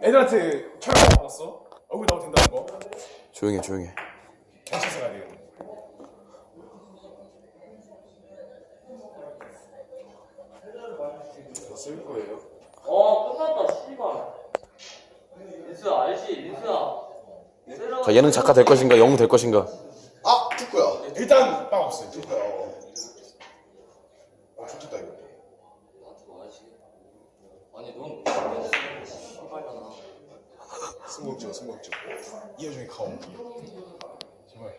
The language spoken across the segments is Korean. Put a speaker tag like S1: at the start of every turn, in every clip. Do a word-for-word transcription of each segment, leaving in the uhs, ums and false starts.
S1: 애들한테 촬영 받았어? 얼굴 나오도 된다는 거?
S2: 조용해 조용해.
S1: 경찰서 가야 되겠네. 쓸 거예요?
S3: 어 끝났다 씨발. 민수야 알지? 민수야.
S2: 자 예능 작가 될 것인가 영웅 될 것인가.
S4: 아! 축구야.
S1: 일단 빵 없어요.
S4: 축구야. 어. 아 좋겠다 이거.
S3: 나한테 와야지. 아니 넌 씨발잖아.
S1: 승복지어 승복지어. 이해중에 가오. 제발.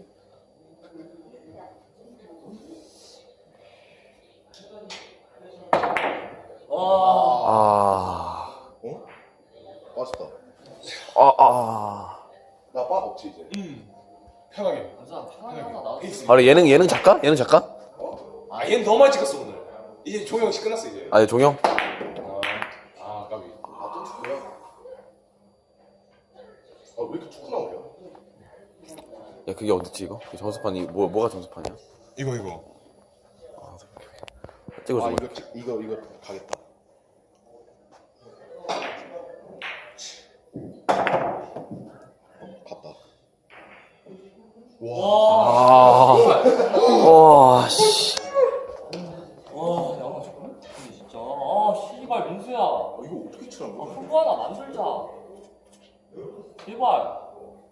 S3: 와.
S2: 아.
S4: 어? 맛있다.
S2: 아 아.
S4: 나 밥 없지 이제.
S1: 음. 편하게.
S3: 민수야 편하게 하자 나도.
S2: 바로 예능 예능 작가? 예능 작가?
S4: 어?
S1: 아 얘는 너무 많이 찍었어 오늘. 이제 종영 씨 끝났어 이제.
S2: 아 네, 종영.
S1: 아, 아 까비.
S4: 아또 축구야? 아 왜 이렇게 축구 나오냐?
S2: 야 그게 어딨지 이거? 그 점수판이 뭐 뭐가 점수판이야?
S1: 이거 이거.
S2: 찍어줘.
S4: 아 이거 찍- 이거 이거 가겠다. 갔다.
S2: 아. 와 씨.
S3: 와 야마 정말 진짜. 아 씨발 민수야.
S4: 아 이거 어떻게 치라는
S3: 아
S4: 거야?
S3: 후보 하나 만들자. 제발.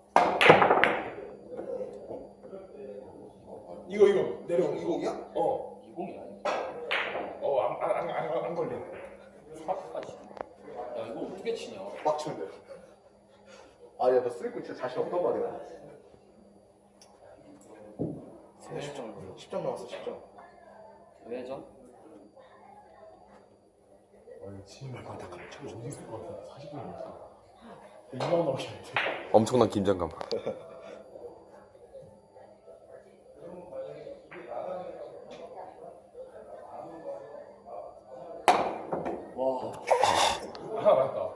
S1: 이거 이거 내려온 거.
S4: 이공이야?
S1: 어.
S3: 이공이야.
S1: 어안안안 안 걸리네.
S3: 사까지. 야 이거 어떻게 치냐?
S4: 빡치면 돼. 아야 너 쓰리고 진짜 자신 없단 말이야. 십 점 십 점 나왔어 십 점.
S3: 왜죠?
S1: 아 지금 약간 다 참 어디 있을 것 같아. 사십 분이니까. 이만 나오시는데.
S2: 엄청난 긴장감.
S3: 와.
S1: 하나 맞다.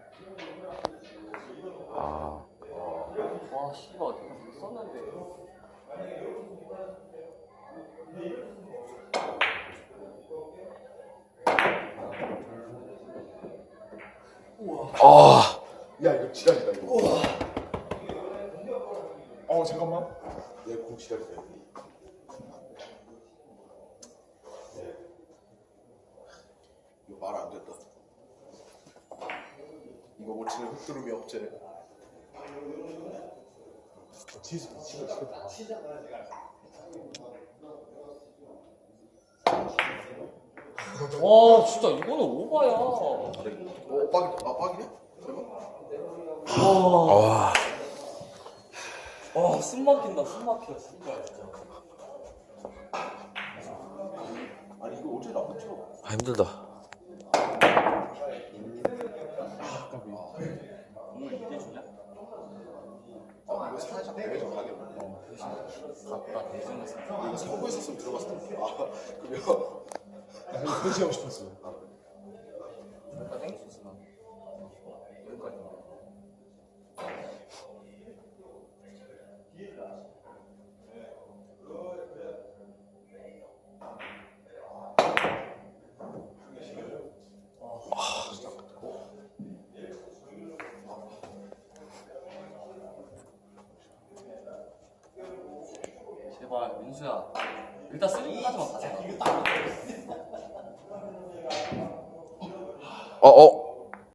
S2: 아.
S3: 와 씨발 내가 못 썼는데.
S2: 아.
S4: 야 이거 지랄이다 이거.
S1: 어 잠깐만.
S4: 얘공 지랄이다. 이거 말 안 됐다. 이거 못 치는 흑두름이 없지.
S1: 뒤에서 미치고 있겠다.
S3: 와 진짜 이거는 오바야.
S4: 어 빡이 아 빡이냐? 설마?
S2: 와.
S3: 와, 숨 막힌다, 숨 막혀, 씨발, 진짜.
S4: 아니 이거 어제 나못 쳐.
S2: 아 힘들다.
S3: 오늘 이대 주냐?
S4: 아 이거 살짝 대회전 가겠네.
S3: 갔다, 대전에서.
S4: 이거 서고 있었으면 들어갔을 텐데. 아 그러면
S1: 나 그렇게 하고 싶었어.
S3: 갔다 땡겼어, 난. 여기까지. 제발 민수야 일단 쓰리까지만 가자.
S2: 어 어.